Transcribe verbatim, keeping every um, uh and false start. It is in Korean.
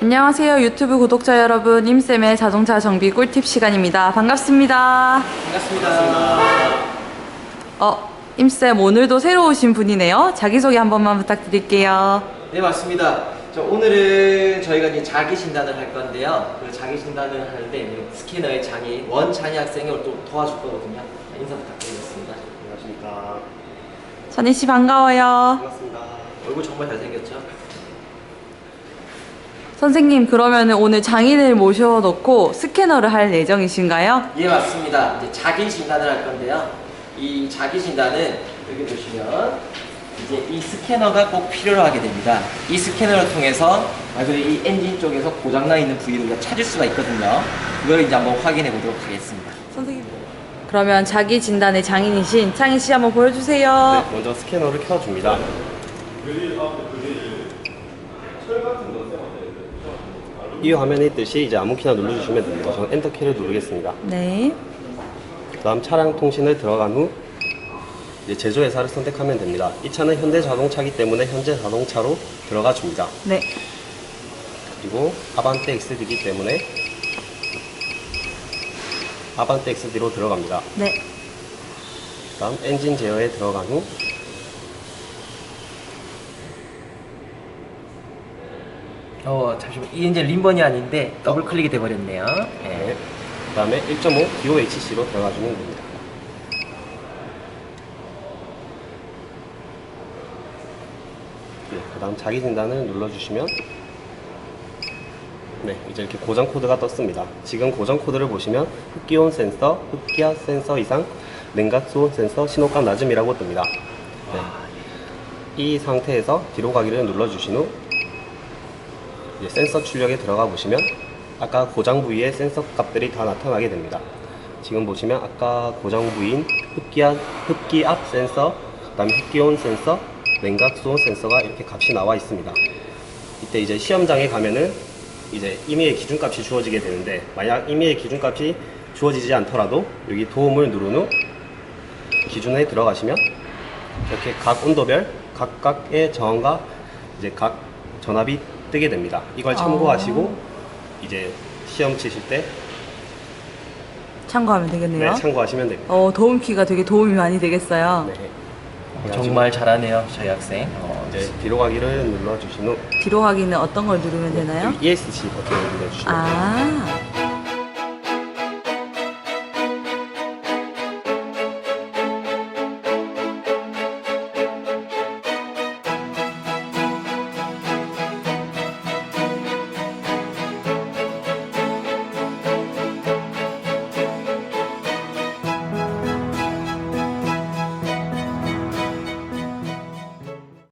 안녕하세요 유튜브 구독자 여러분, 임쌤의 자동차 정비 꿀팁 시간입니다. 반갑습니다. 반갑습니다. 어, 임쌤 오늘도 새로 오신 분이네요. 자기소개 한 번만 부탁드릴게요. 네, 맞습니다. 저 오늘은 저희가 이제 자기 진단을 할 건데요. 그 자기 진단을 하는데 스캐너의 장애인 원찬희 학생이 오늘 또 도와줄 거거든요. 인사 부탁드리겠습니다. 안녕하십니까. 선희씨 반가워요. 반갑습니다. 얼굴 정말 잘생겼죠? 선생님, 그러면 오늘 장인을 모셔놓고 스캐너를 할 예정이신가요? 예, 맞습니다. 이제 자기 진단을 할 건데요. 이 자기 진단은 여기 보시면 이제 이 스캐너가 꼭 필요로 하게 됩니다. 이 스캐너를 통해서 아주 이 엔진 쪽에서 고장나 있는 부위를 우리가 찾을 수가 있거든요. 그걸 이제 한번 확인해 보도록 하겠습니다. 선생님, 그러면 자기 진단의 장인이신 창희씨 한번 보여주세요. 네, 먼저 스캐너를 켜줍니다. 이 화면에 있듯이 이제 아무 키나 눌러주시면 됩니다. 저는 엔터키를 누르겠습니다. 네. 그 다음 차량 통신을 들어간 후 이제 제조회사를 선택하면 됩니다. 이 차는 현대자동차이기 때문에 현대자동차로 들어가 줍니다. 네. 그리고 아반떼 엑스디이기 때문에 아반떼 엑스디로 들어갑니다. 네. 그 다음 엔진 제어에 들어간 후 어, 잠시만. 이 이제 림번이 아닌데 더블 클릭이 돼 버렸네요. 네. 네. 그 다음에 일 점 오 디오에이치씨로 들어가주면 됩니다. 네, 그 다음 자기 진단을 눌러주시면 네, 이제 이렇게 고장 코드가 떴습니다. 지금 고장 코드를 보시면 흡기온 센서, 흡기압 센서 이상, 냉각 수온 센서, 신호값 낮음이라고 뜹니다. 네. 이 상태에서 뒤로 가기를 눌러주신 후 이제 센서 출력에 들어가 보시면 아까 고장 부위의 센서 값들이 다 나타나게 됩니다. 지금 보시면 아까 고장 부위인 흡기압, 흡기압 센서, 그 다음에 흡기온 센서, 냉각 수온 센서가 이렇게 값이 나와 있습니다. 이때 이제 시험장에 가면은 이제 임의의 기준값이 주어지게 되는데, 만약 임의의 기준값이 주어지지 않더라도 여기 도움을 누른 후 기준에 들어가시면 이렇게 각 온도별 각각의 저항과 이제 각 전압이 뜨게 됩니다. 이걸 참고하시고 이제 시험 치실 때 참고하면 되겠네요. 네, 참고하시면 됩니다. 어, 도움키가 되게 도움이 많이 되겠어요. 네. 정말 잘하네요, 저희 학생. 어, 이제 뒤로 가기를 눌러주신 후 뒤로 가기는 어떤 걸 누르면 되나요? 이에스씨 버튼을 눌러주시면 됩니다. 아,